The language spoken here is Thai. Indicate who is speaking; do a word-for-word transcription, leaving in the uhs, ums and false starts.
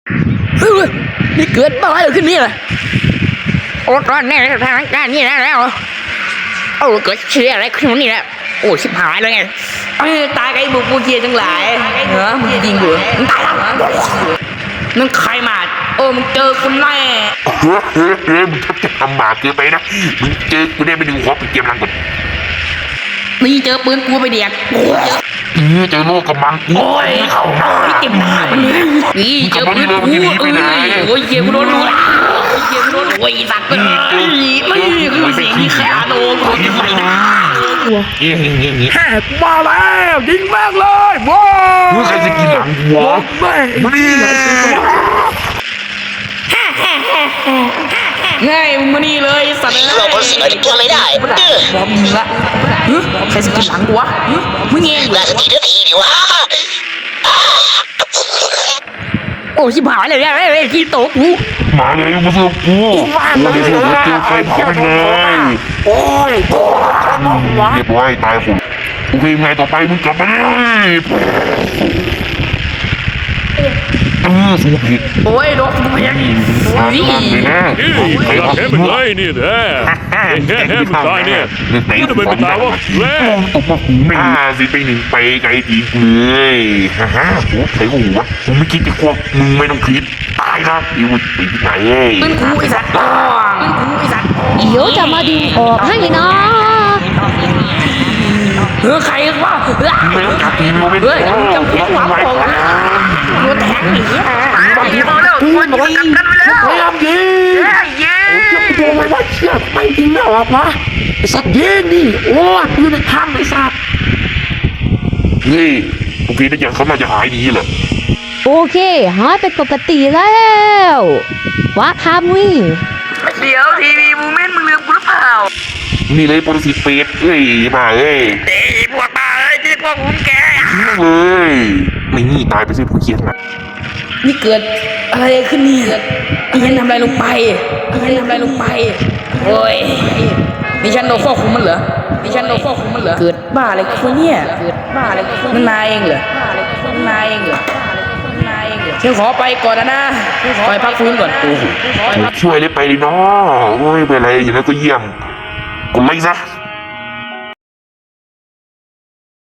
Speaker 1: เฮ้ยนี่เกิดบ้าอะไรขึ้นนี่ล่ะโอ้ตอนนี้ทางการนี่นะแล้วโอ้เกิดเชี่ยอะไรขึ้นนี่แหละโอ้ชิบหายเลยไงตายไอ้บุกบูเกียทั้งหลายเหรอมึงยิงกูมึงตายแล้วนั่นใครมาโอ้มึงเจอคุณแม่
Speaker 2: เฮ้ยเฮ้ยเฮ้ยมึงทักจะทำบาปเกินไปนะมึงเจอกูได้ไปดึงหัวไปเกมรังก่อน
Speaker 1: นี่เจอปืนกูไปเดียก
Speaker 2: เออเจอโลกกำลัง
Speaker 1: โอ้ยเข้ามาเจ็บหน้านี่เจอปืนกูโอ้ยเกียร์กูโดนดูละเกียร์กูโดนโอ้ยสัตว์เลยไม่คือสิ่งที่แค่โดนกูยิงไปนะ
Speaker 2: เงี้ยเงี้ยเงี้ย
Speaker 1: แหกมาแล้วยิงแม่งเลยว้าว
Speaker 2: มึงใครจะกินหลังหัว
Speaker 1: ไม่
Speaker 2: นี่
Speaker 1: ง่ายมึงมานี่เลยสัตว์
Speaker 3: เราคนสิงอะไรตัวไม่ได้เด้อ
Speaker 1: บอมยิงละใครสกินหลังกูวะมึงเอง
Speaker 3: น่าจะทีเดียวทีดีวะ
Speaker 1: โอ้ชิบหายเลยเนี่ยที่โต๊ะกู
Speaker 2: มาเลยมาสู้กูมาเลยสู้กูเจอไฟเผาไปเลย
Speaker 1: โอ้ย
Speaker 2: เรียบร้อยตายผมโอเคไงต่อไปมึงกลับมาเลยเออสู้ผิด
Speaker 1: โอ้ยโดนกูเพี้ยน
Speaker 2: นี่
Speaker 4: ใครแค่เป็นไรนี่แท้แค่แค่เป็นตายเนี่ยนี่ทำไมเป็นตายวะแล้
Speaker 2: ตกมาหูไม่สิไปหนึ่งไปไกลทีเลยฮ่าฮ่าโอ้ใส่หัวผมไม่คิดจะควบมึงไม่ต้องคิดตายนะอีวุ้ยไปที่ไหน
Speaker 1: ปืนกูไอ้สัตว์ปืนกูไอ้สัตว์
Speaker 5: เดี๋ยวจะมาดึงออกให้นะ
Speaker 1: เออใครวะ
Speaker 2: ไม่ต้องจับทีมไม่
Speaker 1: ได้จำเพชรหวังของโดนแทงหนีอ่ะบอกยิงมาแล้วตัวยิงกันไปแล้ว
Speaker 2: พยายามยิง
Speaker 1: ยิง
Speaker 2: โอ้ยว่าเชี่ยไม่จริงแล้ววะสัตว์ยิงนี่โอ้ยปืนในถ้ำไอ้สัตว์นี่โอเคนะยังเขามาจะหายดีเหรอ
Speaker 5: โอเคหายเป็นปกติแล้ววะทำวิ่ง
Speaker 1: เดี๋ยวทีวีมูเมนต์มึงลืมกูหรือเปล่า
Speaker 2: นี่เลยปรสิตเป็ดเอ้ยมาเอ้ย
Speaker 1: เอ้ยพวกตาเอ้ยที่พวกผมแก
Speaker 2: เลยไม่นี่ตายไปสิผู้เขียนนะ
Speaker 1: นี่เกิดอะไรขึ้นนี่เกิดอีฉันทำอะไรลงไปอีฉันทำอะไรลงไปโอ้ยนี่ฉันโดนควบคุมมันเหรอนี่ฉันโดนควบคุมมันเหรอเกิดบ้าอะไรคุณเนี่ยเกิดบ้าอะไรคุณนายเองเหรอนั่นนายเองเหรอนั่นนายเองเหรอฉันขอไปก่อนนะนะขอไปพักฟื้นก่อนโอ้โห
Speaker 2: ช่วยเลยไปดิเนาะโอ้ยเป็นไรอย่างนั้นก็เยี่ยมกดไลค์ซะ